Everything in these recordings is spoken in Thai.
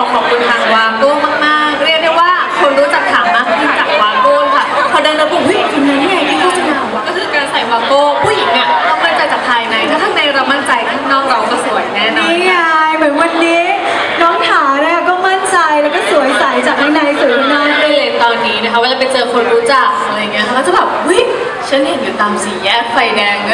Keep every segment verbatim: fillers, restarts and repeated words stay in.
อขอบคุณทางวาโก้มากๆเรียกได้ว่าคนรู้จักถามมากขึ้นจากวาโก้ค่ะพอเดินมาปุ๊บเฮ้ยคนนั้นไงที่โฆษณาวะก็คือการใส่วาโก้ผู้หญิงเนี่ยต้องมั่นใจจากภายในถ้าข้างในเรามั่นใจข้างนอกเราก็สวยแน่นอนนี่ไงเหมือนวันนี้น้องถาเนี่ยก็มั่นใจแล้วก็สวยใสจากข้างในสวยข้างนอกได้เลยตอนนี้นะคะเวลาไปเจอคนรู้จักอะไรเงี้ยเขาจะแบบเฮ้ยฉันเห็นอยู่ตามสี่แยกไฟแดงนะ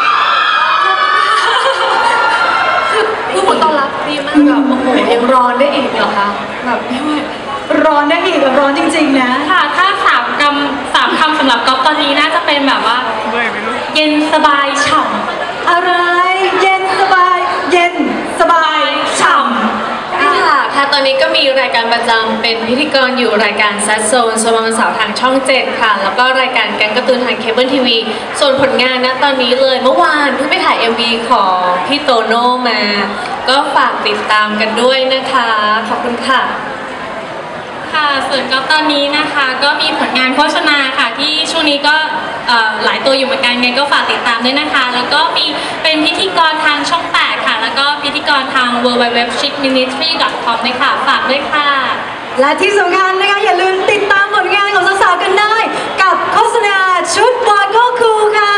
คือผู้ต้อนรับดีมากแบบโอ้โหยังร้อนได้อีกเหรอคะแบบไม่ไหวร้อนได้อีกร้อนจริงๆนะค่ะถ้าสามคำสามคำสำหรับก๊อฟตอนนี้น่าจะเป็นแบบว่าเย็นสบายฉ่ำอะไรเย็นสบายเย็นสบายฉ่ำค่ะค่ะตอนนี้ก็มีรายการประจำเป็นพิธีกรอยู่รายการแซดโซนสมวันเสาร์ทางช่องเจ็ดค่ะแล้วก็รายการแก๊งการ์ตูนทางเคเบิลทีวีส่วนผลงานนะตอนนี้เลยเมื่อวานเพิ่งไปถ่าย เอ็ม วี ของพี่โตโน่มาก็ฝากติดตามกันด้วยนะคะขอบคุณค่ะค่ะส่วนก๊อฟตอนนี้นะคะก็มีผลงานโฆษณาค่ะที่ช่วงนี้ก็หลายตัวอยู่เหมือนกันไงก็ฝากติดตามด้วยนะคะแล้วก็มีเป็นพิธีกรทางช่องแปดค่ะแล้วก็พิธีกรทาง ดับเบิลยู ดับเบิลยู ดับเบิลยู ดอท ชิค มินิสทรี ดอท คอม ด้วยค่ะฝากด้วยค่ะและที่สำคัญนะคะอย่าลืมติดตามผลงานของสาวๆกันได้กับโฆษณาชุดวาโก้คูลค่ะ